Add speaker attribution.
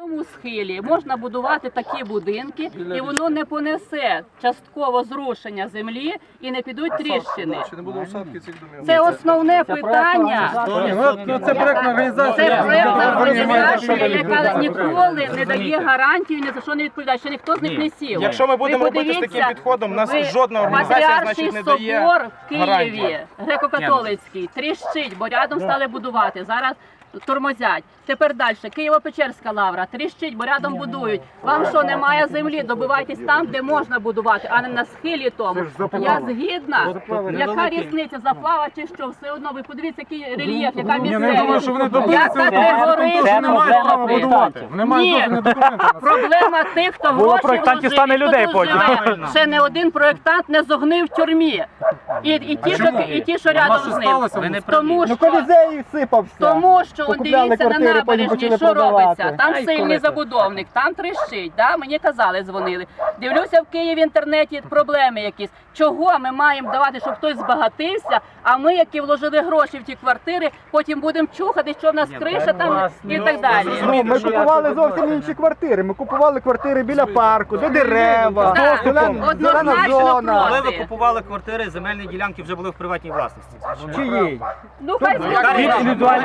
Speaker 1: такому схилі можна будувати такі будинки, і воно не понесе частково зрушення землі і не підуть тріщини.
Speaker 2: Чи не буде осадки цих домів?
Speaker 1: Це основне питання.
Speaker 2: Це проектна організація.
Speaker 1: Це проектна організація, яка ніколи не дає гарантію, ні за що не відповідає, що ніхто з них не сів.
Speaker 3: Якщо ми будемо робити з таким підходом, у нас жодна організація, значить, не дає
Speaker 1: собор в Києві,
Speaker 3: гарантії.
Speaker 1: греко-католицький, тріщить, бо рядом стали будувати. Зараз тормозять. Тепер далі. Києво-Печерська лавра, тріщить, бо рядом будують. Вам що, немає землі? Добивайтесь там, де можна будувати, а не на схилі тому. Я згідна. Яка різниця, заплава чи що? Все одно, ви подивіться, який рельєф, яка місцевість. Яка пригорить.
Speaker 4: Немає права будувати.
Speaker 1: Ні, проблема тих, хто гроші
Speaker 4: проєктантів стане людей
Speaker 1: вложив,
Speaker 4: потім.
Speaker 1: і тут живе. Ще не один проєктант не зогнив в тюрмі. І ті, що рядом з ним. Тому що он дивіться на набережні, що робиться. Там сильний забудовник, там тріщить. Да? Мені казали, дзвонили. Дивлюся в Києві в інтернеті проблеми якісь. Чого ми маємо давати, щоб хтось збагатився, а ми, які вложили гроші в ті квартири, потім будемо чухати, що в нас криша там і так далі.
Speaker 5: Ми купували зовсім інші квартири. Ми купували квартири біля парку, де дерева,
Speaker 1: Так,
Speaker 5: зелена
Speaker 1: однозначно
Speaker 5: зона.
Speaker 6: Коли ви
Speaker 1: проти.
Speaker 6: купували квартири, земельні ділянки вже були в приватній власності.
Speaker 5: Чиї?
Speaker 1: Ну хай зробить.